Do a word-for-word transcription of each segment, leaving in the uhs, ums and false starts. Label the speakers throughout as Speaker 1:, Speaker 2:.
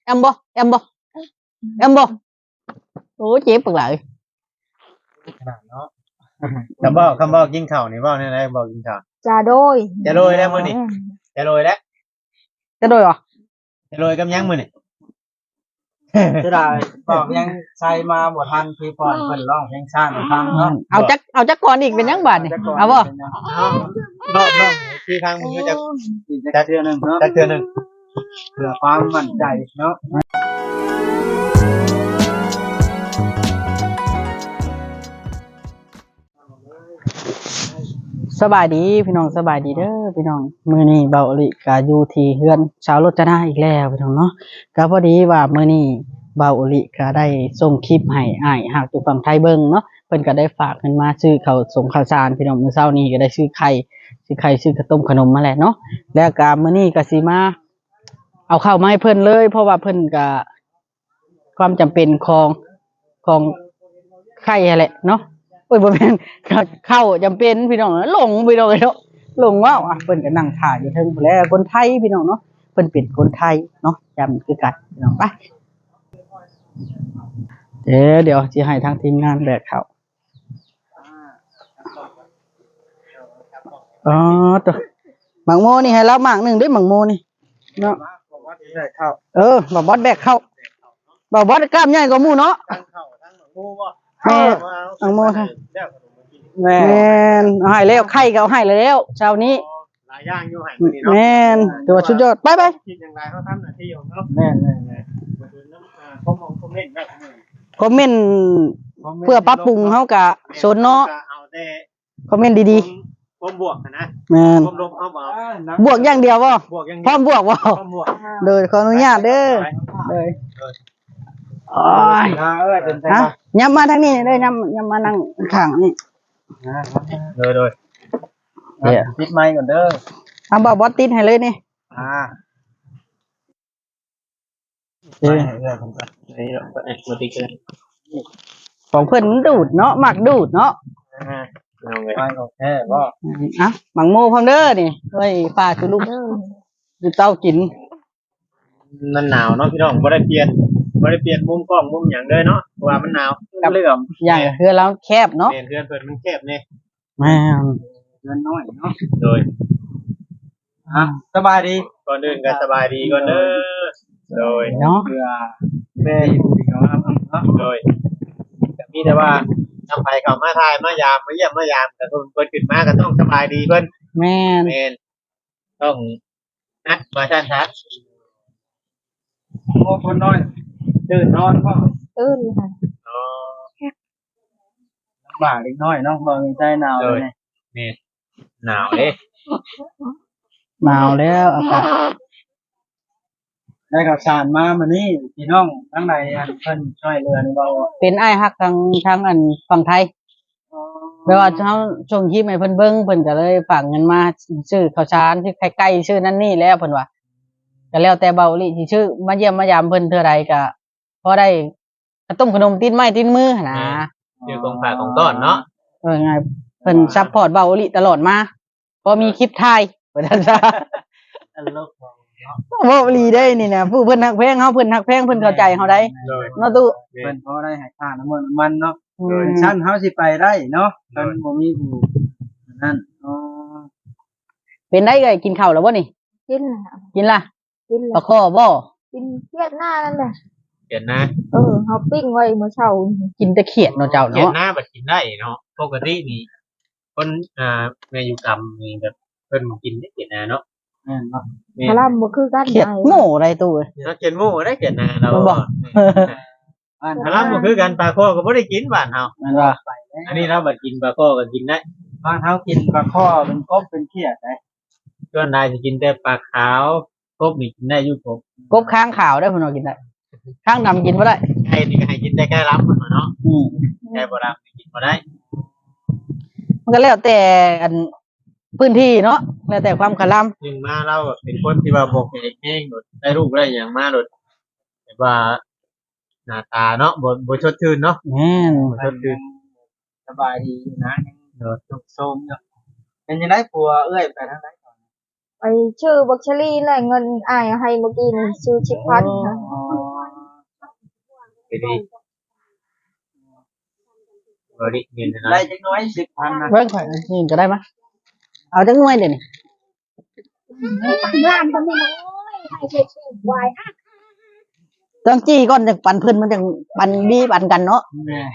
Speaker 1: แอมบ่แอมบ่แอมบ่โอ้เจ็บปากเลย
Speaker 2: ขนาดเนาะคำบอกคำบอกกินข้าวนี่บอกนี่นะบอกกินข้าว
Speaker 3: จะโดย
Speaker 2: จะโรยแล้วมื้อนี่จะโรยแล้ว
Speaker 1: จะโดยเหรอ
Speaker 2: จะโรยกับยังมื้อนี่
Speaker 4: จะได้บอกยังใส่มาบ่ทันพี่ปอนเพิ่นร้องเพลงชาติฟังเนาะ
Speaker 1: เอาจักเอาจักก่อนอีกเป็นยังบาดนี่เอาบ่
Speaker 2: รอบน้องที่ทางมึงจะ
Speaker 4: จักเทื่อนึงเนาะ
Speaker 2: จักเทื่อนึง
Speaker 4: เพื่อความมั่นใจเนาะ
Speaker 1: สบายดีพี่น้องสบายดีเด้อพี่น้องมื้อนี้เบาอลิก็อยู่ที่เฮือนสาวรจนาอีกแล้วพี่น้องเนาะก็พอดีว่ามื้อนี้เบาอลิก็ได้ส่งคลิปให้อ้ายฮักอยู่ฝั่งไทยเบิ่งเนาะเพิ่นก็ได้ฝากเงินมาซื้อข้าวสงข้าวสารพี่น้องมื้อเช้านี้ก็ได้ซื้อไข่ซื้อไข่ซื้อข้าวต้มขนมมาแหละเนาะแล้วก็มื้อนี้ก็สิมาเอาข้าวมาให้เพิ่นเลยเพราะว่าเพิ่นก็ความจำเป็นของของไข่แหละเนาะโอ้ยบ่แม่นเข้าจำเป็นพี่น้องหลงพี่น้องเนาะหลงว่าอ่ะเพิ่นก็นั่งถ่ายอยู่เทิงพุ่นแหละคนไทยพี่น้องเนาะเพิ่นเป็นคนไทยเนาะจำคือกันพี่น้องไปเดี๋ยวเดี๋ยวสิให้ทางทีมงานแบกเข้าอ๋อตัวหมังโมนี่ให้แล้วหมากหนึ่งด้วยหมังโมนี่เนาะเออบ่บอสแบกเข้าบ่บอสกล้ามใหญ่กว่าหมู่เนาะ
Speaker 2: ทั้งข้าวทั้งหมูบ่
Speaker 1: แม่หมังโมค่ะ
Speaker 4: แม่
Speaker 1: นเอาให้แล้วไข่ก็เอาให้แล้วเช้านี้
Speaker 2: หลายอย่างอยู่ให้มื้อนี้เนาะ
Speaker 1: แม่นตัวชุดยอดไปๆ
Speaker 2: คิดจังได๋เฮาทำหน้าที่ของเนาะ
Speaker 4: แม่ๆ
Speaker 2: ๆมาดูน้ำอ่าคอมคอมเมนต์ได้มื้อนี้
Speaker 1: คอมเมนต์เพื่อปรับปรุงเฮาก็สนเนาะ
Speaker 2: เอาแต่
Speaker 1: คอมเมนต์ดี
Speaker 2: ๆความบวกนะ
Speaker 1: แม่น
Speaker 2: ความลบเอาบ่
Speaker 1: บวกอย่างเดียวบ่
Speaker 2: บวกอย่าง
Speaker 1: พร้อมบวกบ่
Speaker 2: ความบวก
Speaker 1: โดยขออนุญาตเด้อโดยโอ้ย
Speaker 4: ฮะเอ้ยเป็นไง
Speaker 1: ฮะย้ำมาทางนี้เด้อย้ำย้ำมานั่งข้างนี่
Speaker 2: โดยๆ
Speaker 4: เดี๋ยวปิดไมค์ก่อนเด้อ
Speaker 1: เอาบ่บอสติดให้เลยนี่
Speaker 4: อ่า
Speaker 1: เอ้ยของเพิ่นมันดูดเนาะมักดูดเนาะ
Speaker 2: เอาไง
Speaker 4: ไปโอเคบ่
Speaker 1: อ่ะหมังโมพร้อมเด้อนี่เฮ้ยป้าจุลูกอยู่เต้ากิน
Speaker 2: มันหนาวเนาะพี่น้องบ่ได้เปลี่ยนบ่ได้เปลี่ยนมุมกล้องมุมหยังเลยเนาะเพราะว่ามันหนาว
Speaker 1: กับเรื่องอย่างคือเราแคบเนาะ
Speaker 2: เปลี่ยนเพื่อนเพิ่นมันแคบนี่
Speaker 1: แม่
Speaker 4: เงินน้อยเนาะ
Speaker 2: โดย
Speaker 4: อ่ะสบายดี
Speaker 2: ก่อนอื่นก็สบายดีก่อนเด้อโดย
Speaker 1: เนาะ
Speaker 4: เพื่อแม่อยู่ดีเนาะเนาะ
Speaker 2: โดยก็มีแต่ว่าทำไปเข้ามาทายมายามมาเยี่ยมมายามแต่เพิ่นเพิ่นขึ้นมาก็ต้องสบายดีเพิ่น
Speaker 1: แม่น
Speaker 2: แม่นต้องนัดมาชันชัด
Speaker 4: โอ้คนน้อยตื่นนอนก็
Speaker 3: ตื่นค่ะ
Speaker 2: อ๋อ
Speaker 4: บ่าเล็กน้อยเนาะบ่มีใจหนาวเลย
Speaker 2: นี่หนาวเด้
Speaker 1: หนาวแล้วอากาศ
Speaker 4: ได้ข่าวสารมามื้อนี้พี่น้องทั้งหลายอันเพิ่นช่วยเหลือนี่บ่
Speaker 1: เป็นอ้ายฮักทางทางอันฝั่งไทยแปลว่าเฮาส่งคลิปให้เพิ่นเบิ่งเพิ่นก็เลยฝากเงินมาซื้อข้าวสารที่ใกล้ๆชื่อนั่นนี่แล้วเพิ่นว่าก็แล้วแต่เบาลิสิชื่อมาเยี่ยมมายามเพิ่นเท่าใดก็พอได้ขนมขนมติดไม้ติดมือหั่นนะ
Speaker 2: เดี๋ยวของฝากของต้อนเนาะ
Speaker 1: เออไงเพิ่นซัพพอร์ตเบาลิตลอดมาพอมีคลิปถ่ายว่าซั่นซะ
Speaker 4: ตลก
Speaker 1: เว้าลีได้นี่นะผู้เพิ่นฮักแพงเฮาเพิ่นฮักแพงเพิ่นเข้าใจเฮาได้เนาะตู้
Speaker 4: เพิ่นพอได้ให้ค่าน้ำมันมันเนาะชั้นเฮาสิไปได้เนาะมันบ่มีผู้นั่นอ๋อ
Speaker 1: เป็นได้เอ้ยกินข้าวแล้วบ่นี่
Speaker 3: กินล่ะ
Speaker 1: กินล่ะ
Speaker 3: กิน
Speaker 1: ปลาข้อบ่
Speaker 3: กินเขียดหน้านั่นแหละ
Speaker 2: เขียดหน้า
Speaker 3: เออเฮาปิ้งไว้เมื่อเช้า
Speaker 1: กินแต่เขียดเนาะเจ้าเนาะ
Speaker 2: เขียดหน้าบัดกินได้เนาะปกตินี่คนอ่าแม่อยู่กรรมนี่แบบเพิ่นกินได้เขียดหน้าเนาะ
Speaker 4: แม่นบ่
Speaker 3: พลัมบ่คือกัน
Speaker 1: เขียดโง่ได้ตู้เอ้ย
Speaker 2: เนาะเขียดโง่ได้เขียดหน้าเรา
Speaker 1: บ่
Speaker 2: พลัมบ่คือกันปลาข้อก็บ่ได้กินบ้านเฮา
Speaker 1: แม่นบ่
Speaker 2: อันนี้เราบัดกินปลาข้อก็กินได้
Speaker 4: บ้านเฮากินปลาข้อเป็นกบเป็นเขียดได้
Speaker 2: ส่วนนายสิกินแต่ปลาขาวกบนี่กินได้อยู่กบ
Speaker 1: กบค้างขาวได้เพิ่นว่ากินได้ค้างดำกินบ่ได้
Speaker 2: ไก่นี่ก็ให้กินได้แค่ล้ำมันเนาะอืมไก่บ่ล้ำนี่กินบ่ได้
Speaker 1: มันก็แล้วแต่อันพื้นที่เนาะแล้วแต่ความคลำ
Speaker 2: ถึงมาเราเป็นคนที่ว่าบ่เฮ็ดเองโดดได้ลูกได้หยังมาโดดแบบว่าหน้าตาเนาะบ่บ่สดชื่นเนาะ
Speaker 1: แม่น
Speaker 2: บ่สดชื่น
Speaker 4: สบายดีนะโดดทุกโซมเนาะเป็นจังได๋ผัวเอ้ยไปทางใด
Speaker 3: ไปชื่อบักชลีแหละเงินอ้ายให้เมื่อกี้นี่ชื่อชิพันธ์ค่ะ
Speaker 2: ดีบริเงินนะ
Speaker 4: ได้จักน้อยสิบพันนะ
Speaker 1: เบิ่งข่อยนี่ก็ได้มั้ยเอาจักหน่วยเดี๋ยวนี้
Speaker 3: ล้านก็ไม่น้อยให้เช็ดไว้
Speaker 1: ต้องจี้ก่อนจังปันเพิ่นมันจังปันดีปันกันเนาะ
Speaker 4: แม่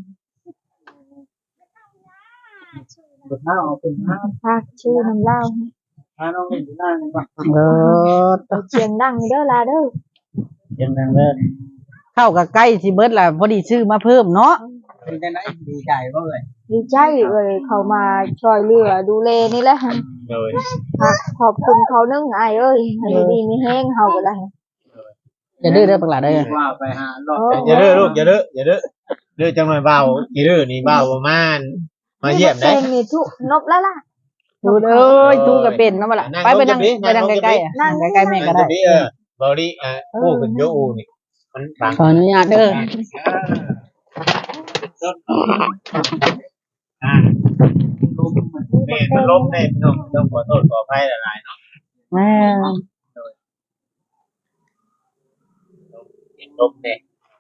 Speaker 4: บ่เท่าเอาเป็นห้า
Speaker 3: พากชื่อน้ำเล่า
Speaker 4: ถ้าน้องเล่นอยู่หน้านี่บ่
Speaker 1: เออ
Speaker 3: เสียงดังเด้อลาเด้อ
Speaker 4: ยังนั่งเด้อ
Speaker 1: เข้ากับใกล้สิเบิดล่ะพอดีซื้อมาเพิ่มเนาะ
Speaker 4: เป็นจังได๋ดีใจบ่เอ่ย
Speaker 3: ดีใจเลยเขามาช่วยเหลือดูแลนี่แหละ
Speaker 2: โดย
Speaker 3: ขอบคุณเขานึ่งไอ้เอ้ยให้ดีมีแห้งเฮาก็ได้
Speaker 1: อย่าดื้อเด้อปากหลาเด้อ
Speaker 4: ว่าไปหารอบ
Speaker 2: อย่าเด้อลูกอย่าเด้ออย่าเด้อเด้อจังหน่อยเบาอย่าเด้อนี่เบาประมาณมาเยี่ยมได้
Speaker 3: เพลงนี่ทุกนบแล้วล่ะ
Speaker 1: ดูเอ้ยทูก็เป็นเนาะบ่ล่ะไปไปนั่งไปนั่งใกล้ๆอ่ะนั่งใกล้ๆแม่ก็ได้
Speaker 2: เออบริอ่าผู้เป็นโยอูนี่มันบาง
Speaker 1: ขออนุญาตเด้อ
Speaker 2: อ่าแม่มันล้มแน่พี่น้องต้องขอโทษขออภัยหลายๆเนาะ
Speaker 1: แม่
Speaker 2: ล้มแน่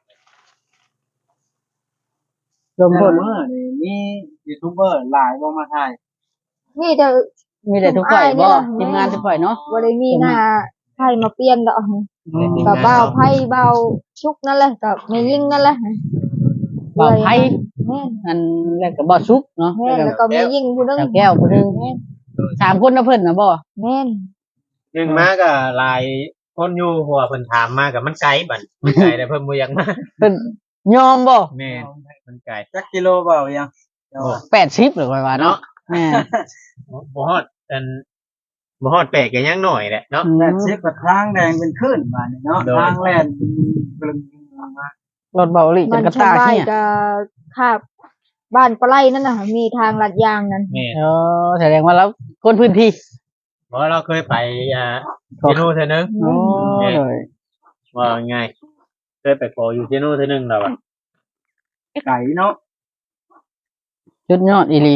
Speaker 1: ลม
Speaker 4: เมื่
Speaker 1: พ่น
Speaker 4: อนี่มียูทูบเบอร์หลายบ่มาถ่าย
Speaker 3: นี่เด้อ
Speaker 1: มีแต่ทุกข่อยบ่ทีมงานทุกข่อยเนาะ
Speaker 3: บ่ได้มีหน้าไผมาเปลี่ยนดอกก็เบาไผเบาชุกนั่นแหละก็ไม่ยิ่งนั่นแหละ
Speaker 1: บ่าวไผ
Speaker 3: แม่น
Speaker 1: อันแล้วก็บ่สุกเนาะ
Speaker 3: แม่นแล้วก็ไม่ยิ่งผู้นึง
Speaker 1: เจ้าแก้วผู้หนึงสามคนนะเพิ่นน่ะบ่
Speaker 3: แม่น
Speaker 2: หนึ่งมาก็หลายคนอยู่หัวเพิ่นถามมากับมันไกลบัดมันไกลแต่เพิ่นบ่อยากมา
Speaker 1: เพิ่นยอมบ่
Speaker 2: แม่มันไกล
Speaker 4: จักกิโลเปล่ายังเจ้าว่า
Speaker 1: แปดสิบหรือว่าเนาะแม่
Speaker 2: บ่ฮอดอันบ่ฮอดแปลกก็ยังน้อยแหละเนาะ
Speaker 4: แปดสิบกับทางแดงเป็นคลื่นมานี่เนาะ
Speaker 2: โดย
Speaker 4: ทางแล่นกลึงมาร
Speaker 1: ถเบาหลีจ
Speaker 3: มัน น
Speaker 1: กระ
Speaker 3: ชา
Speaker 1: ตาย
Speaker 3: บ้าน
Speaker 1: เนี่ย
Speaker 3: ก็คาบบ้านปลาไหลนั่นน่ะมีทางลัดยางนั่น
Speaker 2: แม่
Speaker 1: เออแสดงว่าเราคนพื้นที่
Speaker 2: เพราะเราเคยไปอ่าที่นู่นเทื่อนึง
Speaker 1: โอ้เลย
Speaker 2: ว่าง่ายเคยไปขออยู่ที่นู่นเทื่อนึงแล้วอ่ะ
Speaker 4: ไก่เนาะ
Speaker 1: ชุดยอดอีหลี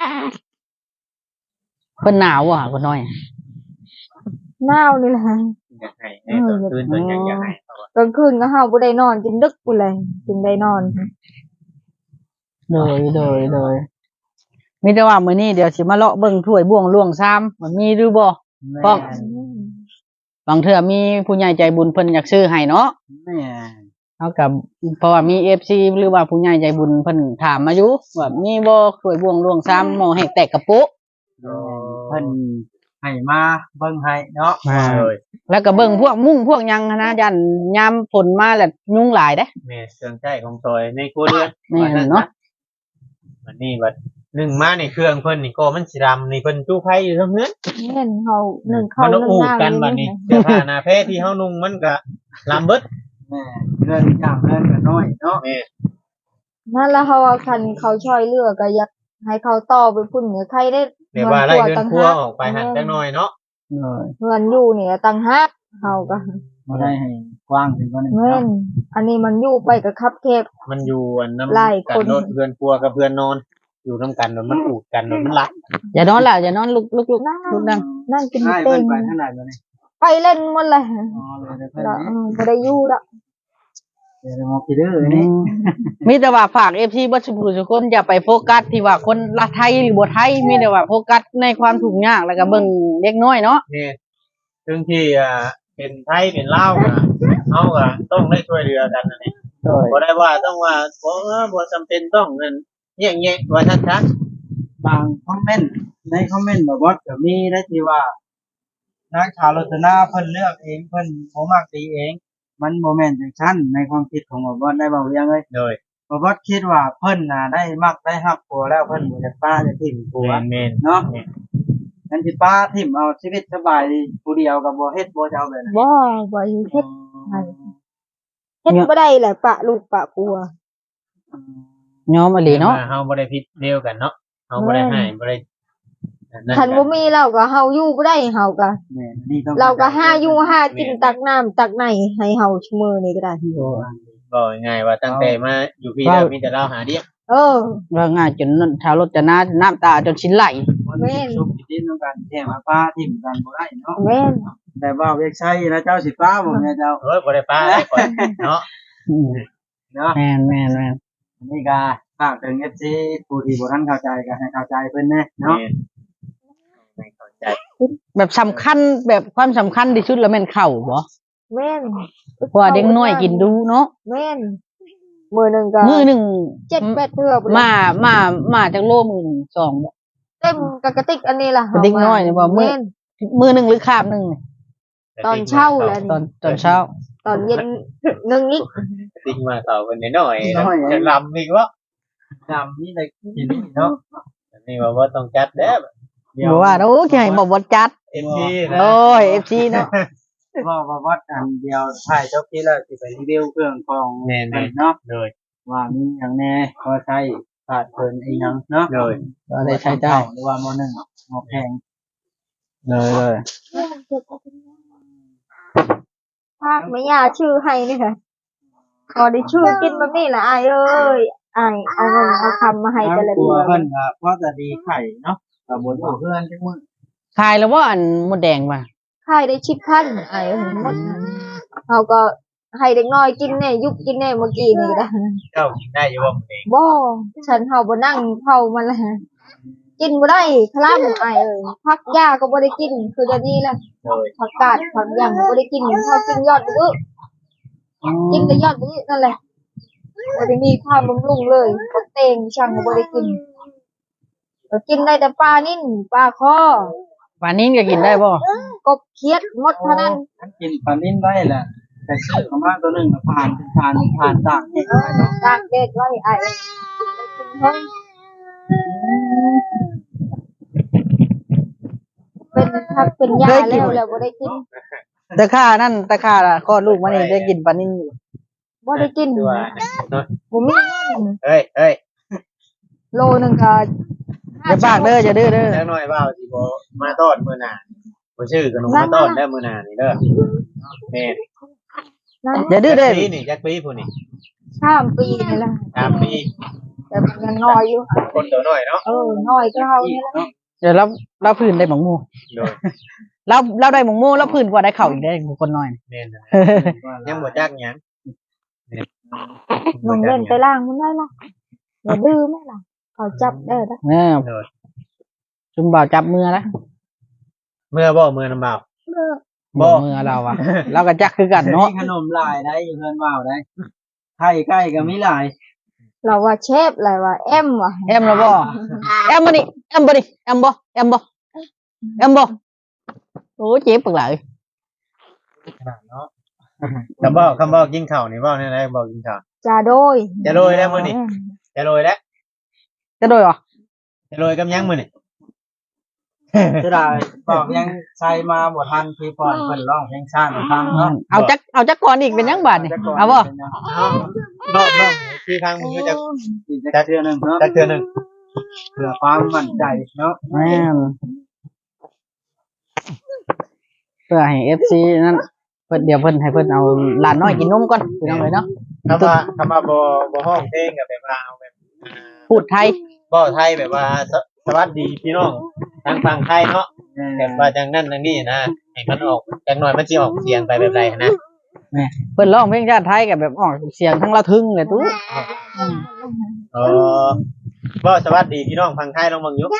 Speaker 1: เพิ่นหนาวอ่ะคนน้อย
Speaker 3: หนาวนี่แหละ
Speaker 2: อยากให้ให้ตอนคืนเพิ่นยังอยากให้เขาอะ
Speaker 3: กลางคืนก็เฮาบ่ได้นอนจนดึกพุ่นเลยจึงได้นอน
Speaker 1: โดยโดยโดยมีแต่ว่ามื้อนี้เดี๋ยวสิมาเลาะเบิ่งถ้วยบ่วงล่วงซ้ำมันมีหรือบ่
Speaker 4: แม่
Speaker 1: บางเทื่อมีผู้ใหญ่ใจบุญเพิ่นอยากซื้อให้เนาะ
Speaker 4: แม่
Speaker 1: เฮากับเพราะว่ามี เอฟ ซี หรือว่าผู้ใหญ่ใจบุญเพิ่นถามมาอยู่ว่ามีบ่ถ้วยบ่วงล่วงซ้ำหม้อแห้งแตกกระปุก
Speaker 4: เพิ่นให้มาเบิ่งให้เนาะ
Speaker 2: เลย
Speaker 1: แล้วก็เบิ่งพวกมุ้งพวกหยังหั้นนะยันยามฝนมาแล้วยุงหลายเด้
Speaker 2: แม่เครื่องใช้ของซอยในครัวเรือน
Speaker 1: แม่นเนาะ
Speaker 2: วันนี้บัดหนึ่งมาในเครื่องเพิ่นนี่ก็มันสิดำนี่เพิ่นจู้ไผอยู่ทั้งเฮือน
Speaker 3: แม่นเฮานึ่งข้า
Speaker 2: มั
Speaker 3: วน
Speaker 2: ต้อง
Speaker 3: นึ่ง
Speaker 2: อู้
Speaker 3: น้ำ
Speaker 2: กันบัดนี้เสื้อผ้าหน้าเพศที่เฮานุ่งมันก็ลำเบิด
Speaker 4: แม่เพื่อนย่างเพื่อนกันน้อยเนาะ
Speaker 2: แม่
Speaker 3: นั่นแล้วเฮาว่าคันเขาช่วยเหลือก็อยากให้เขาต่อไปพุ่นเหนือใครได้
Speaker 2: เดี๋ยวว่าไล่เรือนครัวออกไปหันจักหน่อยเนาะ
Speaker 1: เลย
Speaker 3: เงินอยู่เนี่ยต่างหากเฮาก็
Speaker 4: บ่ได้ให้กว้างถึงกว่านี้
Speaker 3: แม่
Speaker 4: เนาะ
Speaker 3: นอันนี้มันอยู่ไปกับคับแคบ
Speaker 2: มันอยู่อันน้ำ
Speaker 3: หลาย
Speaker 2: กั
Speaker 3: คน
Speaker 2: นรถเพื่อนครัวกับเพื่อนนอน อยู่น้ำกันแล้วมันอูดกันแล้วมันรัก
Speaker 1: อย่านอนล่ะอย่านอนลุกลุกลุก
Speaker 3: นั่ง
Speaker 1: ลุกนั่ง
Speaker 3: นั่งกิน
Speaker 4: ให้
Speaker 3: เต้
Speaker 4: เพิ่
Speaker 3: ง
Speaker 4: นไปทางไหนบ่นี่
Speaker 3: ไปเล่นหมดเลย
Speaker 4: อ๋อเลยเพิ่น
Speaker 3: แล้ว
Speaker 4: นี่
Speaker 3: เออบ่ได้อยู่ละ
Speaker 4: เดี๋ยวมองพี่เด้อนี่
Speaker 1: มีแต่ว่าฝาก เอฟ ซี บ่สุผู้ทุกคนอย่าไปโฟกัสที่ว่าคนละไทยหรือบ่ไทยมีแต่ว่าโฟกัสในความทุกข์ยากแล้วก็เบิ่งเด็กน้อยเนาะ
Speaker 2: นี่ซึ่งที่อ่าเป็นไทยเป็นลาวก็เฮาก็ต้องได้ช่วยเหลือกันนั่นเองบ่ได้ว่าต้องว่าบ่เออบ่จำเป็นต้องนั่นแยกๆว่าชัด
Speaker 4: บางคอมเมนต์ในคอมเมนต์แบบว่าก็มีได้ที่ว่านางชาวรัตนาเพิ่นเลือกเองเพิ่นบ่มักตีเอง มันบ่แม่นจังซั่นในความคิดของบ่บ่ได้เว้าอย่างเลย
Speaker 2: ๆโดย
Speaker 4: บ่บ่คิดว่าเพิ่นน่ะได้มักได้ฮักผัวแล้วเพิ่นบ่อยากป้าจะทิ่มผัว
Speaker 2: แม่นๆ
Speaker 4: เนาะงั้นสิป้าทิ่มเอาชีวิตสบายผู้เดียวก็บ่เฮ็ดบ่จะเอาแบบนั้น
Speaker 3: บ่บ่อยู่เฮ็ดเฮ็ดบ่ได้แหละปะลูกปะกลัว
Speaker 1: ยอมอหลีเนาะ
Speaker 2: เฮาบ่ได้ผิดเดียวกันเนาะเฮาบ่ได้ให้บ่ได้นั่น
Speaker 3: คันบ่มีเราก็เฮาอยู่บ่ได้เฮาก็
Speaker 4: แม่นนี่ต้อง
Speaker 3: เราก็หาอยู่หากินตักน้ำตักในให้เฮาชั่วโมงนี้ก็ได้
Speaker 2: บ่ง่ายว่าตั้งแต่มาอยู่พี่แล้วมีแต่เราหาเดียว
Speaker 3: เออ
Speaker 1: ว่าง่ายจนชาวรถจะน้าน้ำตาจนชิ้นไหล
Speaker 4: แม่นสุขสินำกันแท้มาป้าทิ่มกันบ่ได้เนาะ
Speaker 3: แม่น
Speaker 4: แต่ว่าเวกชัยนะเจ้าสิป้าบ่แม่เจ้า
Speaker 2: เอ้ยบ่ได้ป้าได้ก่อนเนาะ
Speaker 1: อืม
Speaker 4: เนาะ
Speaker 1: แม่นแม่นแม่น
Speaker 4: อันนี้ก็ฝากถึง เอฟ ซี ผู้ที่บ่ทันเข้าใจก็ให้เข้าใจเพิ่นแน่เนาะ
Speaker 2: ไม่เข้าใจ
Speaker 1: แบบสำคัญแบบความสำคัญที่สุดแล้วแม่นข้าวบ่
Speaker 3: แม่น
Speaker 1: เพราะว่าเด็กน้อยกินดูเนาะ
Speaker 3: แม่นมื้อหนึงก็
Speaker 1: มื้อหนึง
Speaker 3: เจ็ดแปดเทื่อพุ่น
Speaker 1: มามามาจากโลมื้อหนึงสองบ่
Speaker 3: เต็มกับกระติกอันนี้ล่ะ
Speaker 1: กระติกน้อยนี่บ่มื้อ
Speaker 3: แม่น
Speaker 1: มื้อหนึงหรือคาบหนึงนี่
Speaker 3: ตอนเช้าแล้ว
Speaker 1: ตอนตอนเช้า
Speaker 3: ตอนเย็นหนึงอีก
Speaker 2: ติ้งมาต่อกันน้อยๆจะลำอีกวะ
Speaker 4: จำนี่ได้กินเนาะ
Speaker 2: นี่ว่าว่าต้องจัดแล้ว
Speaker 1: บ่ว่าโอ้ยให้บ่บ่จัด
Speaker 2: เอ็มพีนะ
Speaker 1: โอ้ย เอฟ ซี เนาะ
Speaker 4: ว่าว่าวัดอันเดียวถ่ายจบที่แล้วสิไปรีวิวเครื่องของ
Speaker 2: แน่น
Speaker 4: เพิ่นเนาะ
Speaker 2: เลย
Speaker 4: ว่ามีหยังแน่พอใช้ขาดเพิ่นอีหยังเนาะ
Speaker 2: เลย
Speaker 1: ก็ได้ใช้ได้
Speaker 4: หรือว่ามหนึ่งมแพง
Speaker 1: เลยเลย
Speaker 3: ภาคไม่ยาชื่อให้นี่ค่ะพอได้ชื่อกินแบบนี้ล่ะอายเอ้ยอายเอาเงินเอาคำมาให้แต่ละ
Speaker 4: ตั
Speaker 3: เดื
Speaker 4: ว
Speaker 3: อน
Speaker 4: เพิ่นก็พอจะดีไข่เนาะก็บ่อยู่เพื่อนจังมื้อ
Speaker 1: ขายแล้วว่าอันหมดแดงป่ะ
Speaker 3: ขายได้ชิบพันอายเอ้ยหมดนั้นเขาก็ให้เด็กน้อยกินแน่ยุบกินแน่เมื่อกี้นี่ก็ได้
Speaker 2: เจ้าได้อยู่ว่าเอง
Speaker 3: บ่ฉันเฮาบ่นั่งเผามันละกินบ่ได้คลำอายเอ้ยพักยาก็บ่ได้กินคือเดี๋ยวนี้แหละ
Speaker 2: เลย
Speaker 3: ผักกาดผักหยังบ่ได้กินพอกินยอดมื้อกินแต่ยอดมื้อนั่นแหละบ่ได้มีความบำรุงเลยผักเตงช่างก็บ่ได้กินก็กินได้แต่ปลานิ่นปลาคอ
Speaker 1: ป่านนี้ก็กินได้บ่
Speaker 3: กบเขียดหมดเท่านั้น
Speaker 4: อันกินปลานิ่นได้แหละแต่ซื้อออกมาตัวหนึงก็ผ่านผ่านผ่านตากแห้งไว้เนาะ
Speaker 3: ตากแดดไว้ไอ้กินเพิ่นเป็นผักเป็นยาแล้วแล้วบ่ได้กิน
Speaker 1: ตะค่านั่นตะค่าล่ะคลอดลูกมานี่ได้กินป่านนี้อยู่
Speaker 3: บ่ได้กิน
Speaker 2: ตัวเนาะ
Speaker 3: บ่มีเงิน
Speaker 2: เฮ้ยเฮ้ย
Speaker 3: โลนึงก็
Speaker 1: อย่าปากเด้ออย่าดื้อเด้อ
Speaker 2: แล้วหน่อยว่าสิบ่มาต้อนมื้อหน้าบ่ชื่อขนมมาต้อนได้มื้อหน้านี่เด้อแม่
Speaker 3: นั่น
Speaker 1: อย่าดื้อเด้อ
Speaker 2: ปีนี่จักปีผู้นี่
Speaker 3: สามปีนี่แหละ
Speaker 2: สามปี
Speaker 3: แต่มันยังน้อยอยู่
Speaker 2: คนตัวน้อยเนาะ
Speaker 3: เออน้อยก็เฮานี่แหละ
Speaker 1: เดี๋ยวเราเราพื้นได้หมองหมู
Speaker 2: โดย
Speaker 1: เราเราได้หมองหมูเราพื้นกว่าได้เข่าอีกได้คนน้อย
Speaker 2: แม่นยังบ่จักหยัง
Speaker 3: มึงเล่นไปล่างมันได้ล่ะอย่าดื้อแม่ล่ะเขาจับได้ละ
Speaker 1: เออ
Speaker 2: โดย
Speaker 1: จุ่มบ่าวจับมือแล้ว
Speaker 2: เมื่อบ่เมื่อนำบ่าว บ่
Speaker 1: บ่มือเราอ่ะเราก็จักคือกันเนาะ
Speaker 4: มีขนมหลายได้อยู่เพื่อนว่าวได้ไข่ไก่ก็มีหลาย
Speaker 3: เราว่าเชฟอะไรว่าแอมว่ะ
Speaker 1: แอมแล้วบ่แอมมานี่แอมบ่ดิแอมบ่แอมบ่แอมบ่โอ้เจ็บปากหลาย
Speaker 2: เนาะคำบอกคำบอกกินข้าวนี่บอกเนี่ยนะบอกกินข้าว
Speaker 3: จาโดย
Speaker 2: จะโรยแล้วมื้อนี้จะโรยแล้ว
Speaker 1: จะโดยบ่
Speaker 2: จะโรยกับยังมื้อนี่
Speaker 4: จะได้บอกยังใช้มาบ่ทันพี่ปอนเพิ่นร้องเพลงชาติให้ฟังเนาะ
Speaker 1: เอาจักเอาจักก่อนอีกเป็นยังบาดนี่เอาบ่
Speaker 2: เอารอบรอบที่ทางมึงก็จะ
Speaker 4: จักเทื่อหนึงเนาะ
Speaker 2: จักเทื่อหนึง
Speaker 4: เพื่อความมั่นใจเนาะ
Speaker 1: แม่นเพื่อให้ เอฟ ซี นั่นเพิ่นเดี๋ยวเพิ่นให้เพิ่นเอาหลานน้อยกินนมก่อนพี่น้องเลยเนาะ
Speaker 2: คำว่าคำว่าบ่บ่ห้องเพลงก็แบบว่าเอาแบบอ่า
Speaker 1: พูดไทย
Speaker 2: บ่ไทยแบบว่าสสวัสดีพี่น้องทางฝั่งไทยเนาะแบบว่าจังนั้นจังนี้นะให้มันออกจังหน่อยมันสิออกเสียงไปแบบใดนะ
Speaker 1: เพิ่นร้องเพลงชาติไทยกับแบบออกเสียงทั้งละทึ่งเลยตู้
Speaker 2: เออบ่สวัสดีพี่น้องฝั่งไทยลองเบิ่งอยู่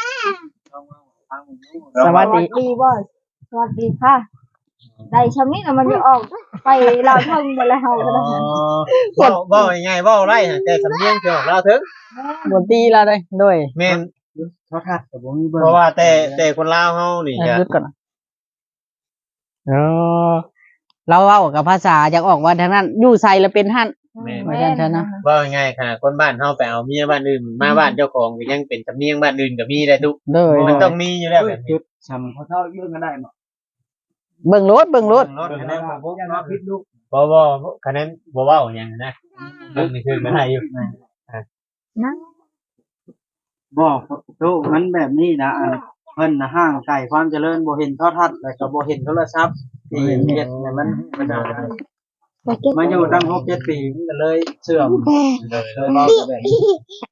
Speaker 1: สวัสดี
Speaker 3: ดีบ่สวัสดีค่ะได้ชำนี้น่ะมันจะออกไปลาวเทิงไปแล้วเฮาก็ได้
Speaker 2: บ่บ่ง่ายๆบ่ไรแต่สำเนียงสิออกลาวถึง
Speaker 1: ดนตรีเราเลยด้วย
Speaker 2: แม่น
Speaker 4: โทษครับแต่บ่มีเบิ่ง
Speaker 2: เพราะว่าแต่แต่คนลาวเฮานี่
Speaker 1: อ่ะ
Speaker 2: จะ
Speaker 1: หยุดก่อนนะเออเราเว้ากับภาษาอยากออกว่าทางนั้นอยู่ใส่แล้วเป็นหั่น
Speaker 2: แม่น
Speaker 1: ไม่ได้ใช่นะ
Speaker 2: บ่ง่ายๆขนาดคนบ้านเฮาไปเอาเมียบ้านอื่นมาบ้านเจ้าของก็ยังเป็นสำเนียงบ้านอื่นก็มีได้ทุก
Speaker 1: ด้วย
Speaker 2: มันต้องมีอยู่แล้วแบบ
Speaker 4: จุ
Speaker 2: นี้
Speaker 4: ดชำเขาเท่าเบิ่งกันได้บ่
Speaker 1: เบิ่งรถเบิ่งรถ
Speaker 2: รถ
Speaker 4: เบิ่ง
Speaker 2: คะแน
Speaker 4: ได้
Speaker 2: น
Speaker 4: บ่พวกเนาะพิษลูก
Speaker 2: บ่บ่คะแนนบ่เว้าหยังนะเบิ่งนี่คือมันได้อยู่
Speaker 3: นะ
Speaker 4: บ่ลูกมันแบบนี้นะอันเพิ่นน่ะห่างไกลความเจริญบ่เห็นโทรทัศน์แล้วก็บ่เห็นโทรศัพท์ที่เฮ็ดให้มันมันได้
Speaker 3: ไปเก็บ
Speaker 4: มาอยู่ตั้งหกเจ็ดปีมันก็เลยเสื่อมเลยเว้าแบบนี้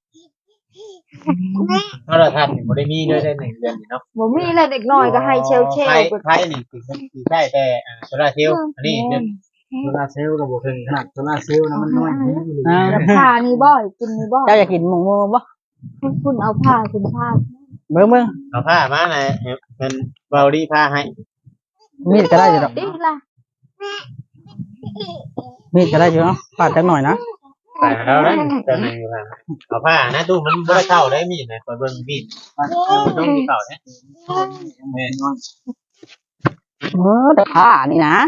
Speaker 2: โทรทัศน์นี่บ่ได้มีด้วยได้หนึ่งเดือนนี่เนาะ
Speaker 3: บ่มีอะไรเด็กน้อยก็ให้เชลเชล
Speaker 2: ไทย
Speaker 3: ไป
Speaker 2: ไทยนี่คือสิใช่แต่อ่าโซลาร์เซลล์อันนี้เรื่อง
Speaker 4: โซลาร์เซลล์ก็บ่ถึงขนาดโซลาร์เซลล์นะมันน้อยนิดเดียว
Speaker 1: อ้าว
Speaker 3: แล้วผ้านี่บ่กินนี่บ่
Speaker 1: เจ้าอยากกินหมูหมูบ่
Speaker 3: คุณคุณเอาผ้าคุณผ้า
Speaker 1: เบิ่งเบิ่ง
Speaker 2: เอาผ้ามาหน่อยเป็นเบาดีผ้าให้
Speaker 1: มีดก็ได้อยู่ดอก
Speaker 3: ดิล่ะ
Speaker 1: มีดก็ได้อยู่เนาะปาดจักหน่อยนะ
Speaker 2: ใส่แล้วนะจะนึงผ้าเอาผ้านะตู้มันบ่ได้เข้าได้มีดนะเบิ่งมีดมันต้องมีเข้าเนี่ยแม่นอน
Speaker 1: เออแต่ผ้านี่นะ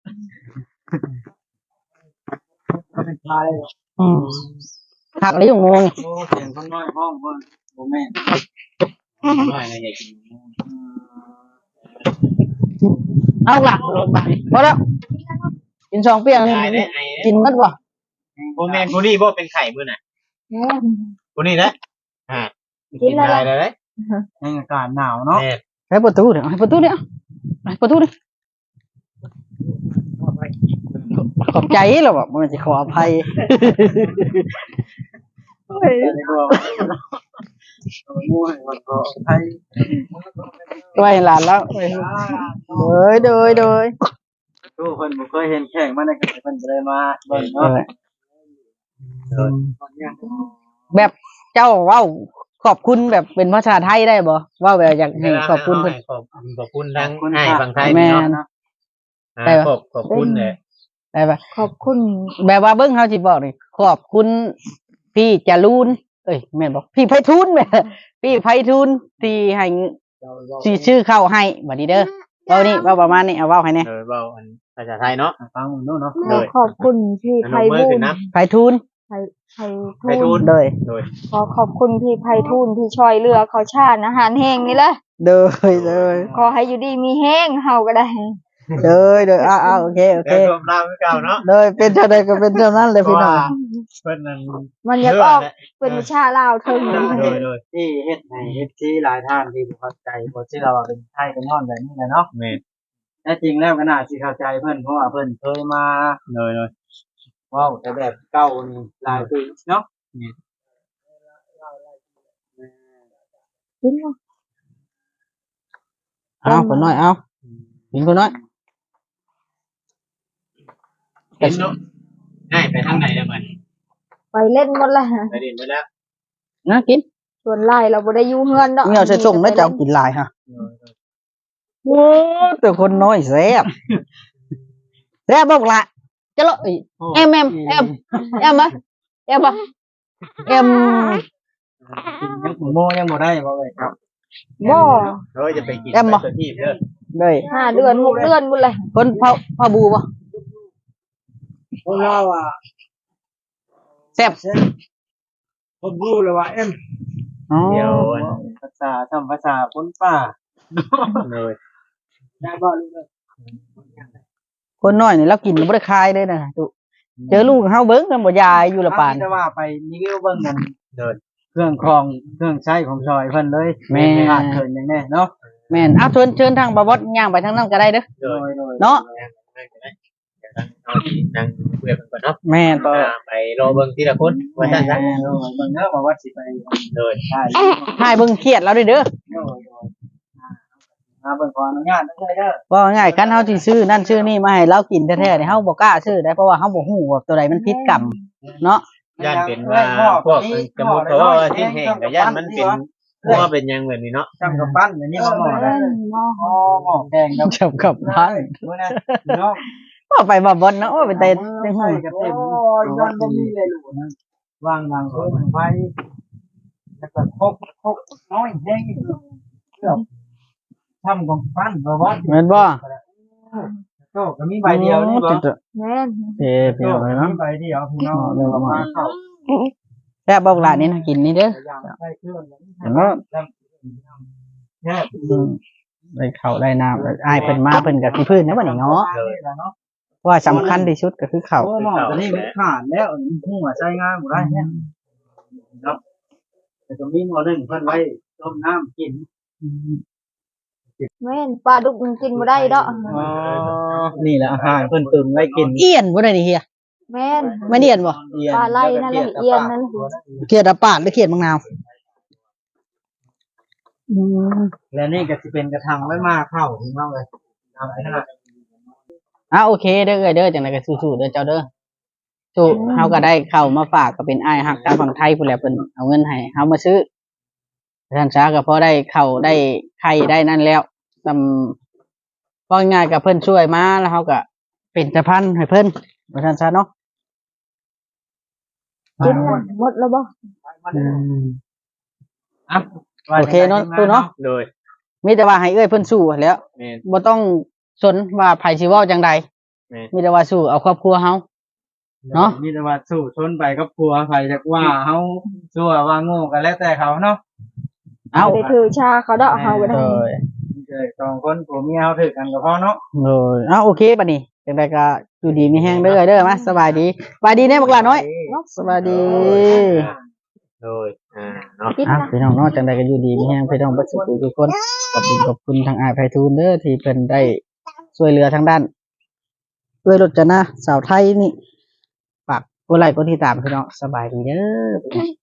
Speaker 4: ก็เป็นปลาเลย
Speaker 1: อืมหักเลยอยู่งง
Speaker 4: โอ้เสียงคนน้อยห้องเพิ่นบ่แม่น
Speaker 2: น้อยนะอยากกิน
Speaker 1: เอาล่ะพอแล้วกินสองเปียง
Speaker 2: ไอ้เนี่ยไอ้
Speaker 1: กินมันบ่
Speaker 2: โบแมนผู้นี้บ่เป็นไข่มื้อน่ะ
Speaker 3: แม่
Speaker 2: ผู้นี้นะอ่ากินอะไรเลย
Speaker 4: ในอากาศหนาวเนาะ
Speaker 2: แม่
Speaker 1: ให้ประตูเดี๋ยวให้ประตูเดี๋ยวให้ประตูเดี๋ยวขอบใจเราบอกมันจะขออภัย
Speaker 4: ได้ก็มั่วมันก็ไทย
Speaker 1: ไว้หลานแล้วโดยโดยโดย
Speaker 4: ทุกคนบ่เคยเห็นแข่งมาในกระเพิ่นก็เลยมาเบิ่ง
Speaker 1: เอ
Speaker 4: เนาะ
Speaker 1: อแบบเจ้าเว้าขอบคุณแบบเป็นภาษาไทยได้บ่เว่าแบบอยากให้ขอบคุณเพิ่น
Speaker 2: ขอบขอบคุณทั้งให้ฝั่งไทย
Speaker 1: แม่น
Speaker 2: เนาะขอบขอบคุณเลย
Speaker 1: ได้ปะ
Speaker 3: ขอบคุณ
Speaker 1: แบบว่าเบิ้งเขาสิบอกนี่ขอบคุณพี่จรูนเอ้ยแม่นบอกพี่ไพฑูรย์แม่ พี่ไพฑูรย์ที่ให้สิชื่อเข้าให้บัดนี้เด้อเว้านี่เว้าประมาณนี้เอาเว้าให้แน่
Speaker 2: เออเว้าอันภาษาไทยเนาะ
Speaker 4: ฟังมันเนาะ
Speaker 3: ขอขอบคุณพี่
Speaker 2: อ
Speaker 3: ไพ
Speaker 2: นุมือ
Speaker 3: บู
Speaker 2: ขึ้
Speaker 3: ล
Speaker 2: น
Speaker 3: ย์
Speaker 2: นะ
Speaker 1: ไพฑูรย์
Speaker 3: ไพไพ
Speaker 2: ไพฑู
Speaker 3: ทู
Speaker 2: ร
Speaker 3: ล
Speaker 2: ย์
Speaker 1: โดย
Speaker 2: โดย
Speaker 3: ขอขอบคุณพี่ไพฑูรย์ที่ช่วยเหลือเขาชาติอาหารแห้งนี่แหละ
Speaker 1: โดยโดย
Speaker 3: ขอให้อยู่ดีมีแห้งเฮาก็ได้
Speaker 1: โดยโดยอ้าวอ้าวโอเคโอเค
Speaker 2: แล้วรวมราวคือเก่าเนาะ
Speaker 1: โดยเป็นเท่าใดก็เป็นเท่านั้นเลยพี่น้อง
Speaker 2: เพิ่นนั่น
Speaker 3: มันอยากออกเป็นวิชาลาวเทิง
Speaker 2: โดยโดย
Speaker 4: ที่เฮ็ดให้เอฟซีหลายท่านที่บ่เข้าใจบ่ที่เราว่าเป็นไทยเป็นย้อนแบบนี้แหละเนาะ
Speaker 2: แม่
Speaker 4: แท้จริงแล้วก็น่าสิเข้าใจเพิ่นเพราะว่าเพิ่นเคยมา
Speaker 2: โดยโดย
Speaker 4: เว้าแต่แบบเก่านี่หลายปีเนาะ
Speaker 3: กินบ่
Speaker 1: เอาคนน้อยเอากินคนน้อย
Speaker 2: เห็นเนาะง่ายไปทางไหนแล้วมัน
Speaker 3: ไปเล่นหมดแล้ว
Speaker 2: ไปดินไปแล้ว
Speaker 1: นะกิน
Speaker 3: ส่วนไล่เราบ่ได้อยู่เฮือนดอก
Speaker 1: มีเอาใส่ส่งแล้วจะเอากินหลายฮะโอ้แต่คนน้อยแซ่บแซ่บบอกละจะละเอ็มเอ็มเอ็มเอ็มไหมเอ็มปะเอ็ม
Speaker 4: ยังหมูโมยังบ่ได้บ่เลยครับ
Speaker 3: บ่
Speaker 2: เฮ้ยจะไปกินไปตัวที่เด้อ
Speaker 1: เลย
Speaker 3: ห้าเดือนหกเดือนหมดเลย
Speaker 1: คนเผาเผาบูปะ
Speaker 4: พวกเราอ่ะ
Speaker 1: แซ่บ
Speaker 4: ผมรู้เลยว่าเอ็ม
Speaker 1: อ๋อ
Speaker 2: เดี๋ยว
Speaker 4: ภาษาทำภาษาคนป่า
Speaker 2: เลย
Speaker 4: ได้บ่ลูกเด้อ
Speaker 1: คนน้อยนี่เรากินบ่ได้คายเลยนะตุเจอลูกเฮาเบิ่งกันบ่ยายอยู่ละปาน
Speaker 4: แต่ว่าไปนี่ก็เบิ่งกัน
Speaker 2: เดิน
Speaker 4: เครื่องครองเครื่องใช้ของซอยเพิ่นเลย
Speaker 1: แม่
Speaker 4: ขาดเกินอย่างแน่เนาะ
Speaker 1: แม่นเอาเชิญเชิญทางบ่บดย่างไปทางนั้นก็ได้เด้อ
Speaker 2: โด
Speaker 4: โด
Speaker 2: ย
Speaker 4: ยโดย
Speaker 1: เนาะ
Speaker 2: เอาที่นั่งเพื่อนก่อนเนาะ
Speaker 1: แม่นต่อ
Speaker 2: ไปรอเบิ่งทีละคนว่า
Speaker 4: แม่
Speaker 2: ซั่น
Speaker 4: โด
Speaker 2: ซะ
Speaker 4: ยเบิ่งเด้อว่าว่าสิไป
Speaker 2: โดย
Speaker 4: ได้
Speaker 1: ให้เบิ่งเครียดแล้วเด้อเด้อ
Speaker 4: โดยโดยมาเบิ่งขออนุญาตเด้อเด้อ
Speaker 1: ว่าง่ายๆคันเฮาสิซื้อนั่นซื้อนี่มาให้เรากินแท้ๆนี่เฮาบ่กล้าซื้อได้เพราะว่าเฮาบ่ฮู้ว่าตัวใดมันผิดกรรมเนาะ
Speaker 2: ย่านเป็นว่าพวกสมมุติเพราะว่าที่แห่งกับย่านมันเป็นว่าเป็นยังแบบนี้เนาะ
Speaker 4: จำกับปั้นอย่างนี้มาหมอได้
Speaker 3: หม้อ
Speaker 4: อ๋อหมอแดงกับ
Speaker 1: จับกับพัน
Speaker 4: มื้อนะเนาะ
Speaker 1: ว่าไปบ่บดเนาะว่าไปแต่จัง
Speaker 4: ใส่
Speaker 1: ฮู้
Speaker 4: กับเต็มโอ้ยย้อนบ่มีเลยลูกนะวางวางเพิ่นไว้แล้วก็คกคกน้อยแห้งอีกเกือบทำของปั้นบ่บ่
Speaker 1: แม่นบ่
Speaker 4: โตก็มีใบเดียวนี่บ่
Speaker 3: แม่น
Speaker 1: เอ้พี่น้องเนาะ
Speaker 4: มีใบเดียวพี่น้องเดี๋ยวมาเข้า
Speaker 1: แซ่บบอกหลานนี่นะกินนี่เด้อ
Speaker 4: ใส่เครื่อง
Speaker 1: เห็นบ่
Speaker 4: แค่
Speaker 1: อืมได้ข้าวได้น้ำอ้ายเพิ่นมาเพิ่นก็สิพื้นนะบัดนี้เนาะว่าสำคัญที่สุดก็คือข้าว
Speaker 4: โอ้หมอตัวนี้มันขาดแล้วหัวใช้งานบ่ได้เนี่ยเนาะแต่ตรงนี้หมอหนึ่งเพิ่นไว้ต้มน้ำกิน
Speaker 3: แม่นปลาดุกมันกินบ่ได้ดอก
Speaker 4: อ๋อนี่แหละอาหารเพิ่นตุนไว้กิน
Speaker 1: เอียนบ่ได้นี่เฮีย
Speaker 3: แม่น
Speaker 1: ไม่เอียนบ่
Speaker 3: ปลาไหลนั่นแหละเอียนนั่นแหละ
Speaker 1: เขียดอะปาดหรือเขียดมะนาวอืม
Speaker 4: และนี่ก็สิเป็นกระทังไว้มาเข้าพี่น้องเลยเอาไว้ขนาด
Speaker 1: อ่ะโอเคเด้อเอ้ยเด้อจังไดก็สู้ๆเด้อเจ้าเด้อสู้เฮาก็ได้เข้ามาฝากก็เป็นอ้ายฮักทางฝั่งไทยพุ่นแหละเพิ่นเอาเงินให้เฮามาซื้อท่านช้าก็พอได้เข้าได้ไข่ได้นั่นแล้วซำว่าง่ายๆก็เพิ่นช่วยมาแล้วเฮาก็เป็นสะพานให้เพิ่นว่าท่านช้าเนาะ
Speaker 3: กินน่ะหมดแล้วบ่
Speaker 1: อืม
Speaker 2: อ่ะ
Speaker 1: โอเคเนาะตู้เนาะ
Speaker 2: โดย
Speaker 1: มีแต่ว่าให้เอ้ยเพิ่นสู้แหล้ว
Speaker 2: แม่น
Speaker 1: บ่ต้องสนว่าไผสิเว้าจังใด
Speaker 2: แม่น
Speaker 1: มีแต่ว่าสู้เอาครอบครัวเฮา เนาะ
Speaker 4: มีแต่ว่าสู้ชนไปกับผัวไผจักว่าเฮาชั่วว่าโง่ก็แล้วแต่เขาเนาะ
Speaker 1: เอา
Speaker 3: บ่ได้ถือชาเขาดอกเฮาก็
Speaker 1: เอ
Speaker 3: ได้
Speaker 1: อ
Speaker 4: เอ้ยสองคนผัวเมียเฮาถือกันก็พอเนาะ
Speaker 1: เออเอาโอเคบัดนี้จังไดก็อยู่ดีมีแฮงเด้อเด้อมาสบายดีสบายดีแน่บักหลาน้อยสบายดี
Speaker 2: โดยอ่าเนาะ
Speaker 3: กิน
Speaker 1: อ่ะ
Speaker 3: นะ
Speaker 1: พี่น้องเนาะจังไดก็อยู่ดีมีแฮงพี่น้องเบ่สุขทุกคนขอบคุณขอบคุณทางอ้ายไผทูลเด้อที่เพิ่นได้ช่วยเหลือทางด้านด้วยรถจนะสาวไทยนี่ฝากกดไลค์กดติดตามพี่น้องสบายดีเด้อ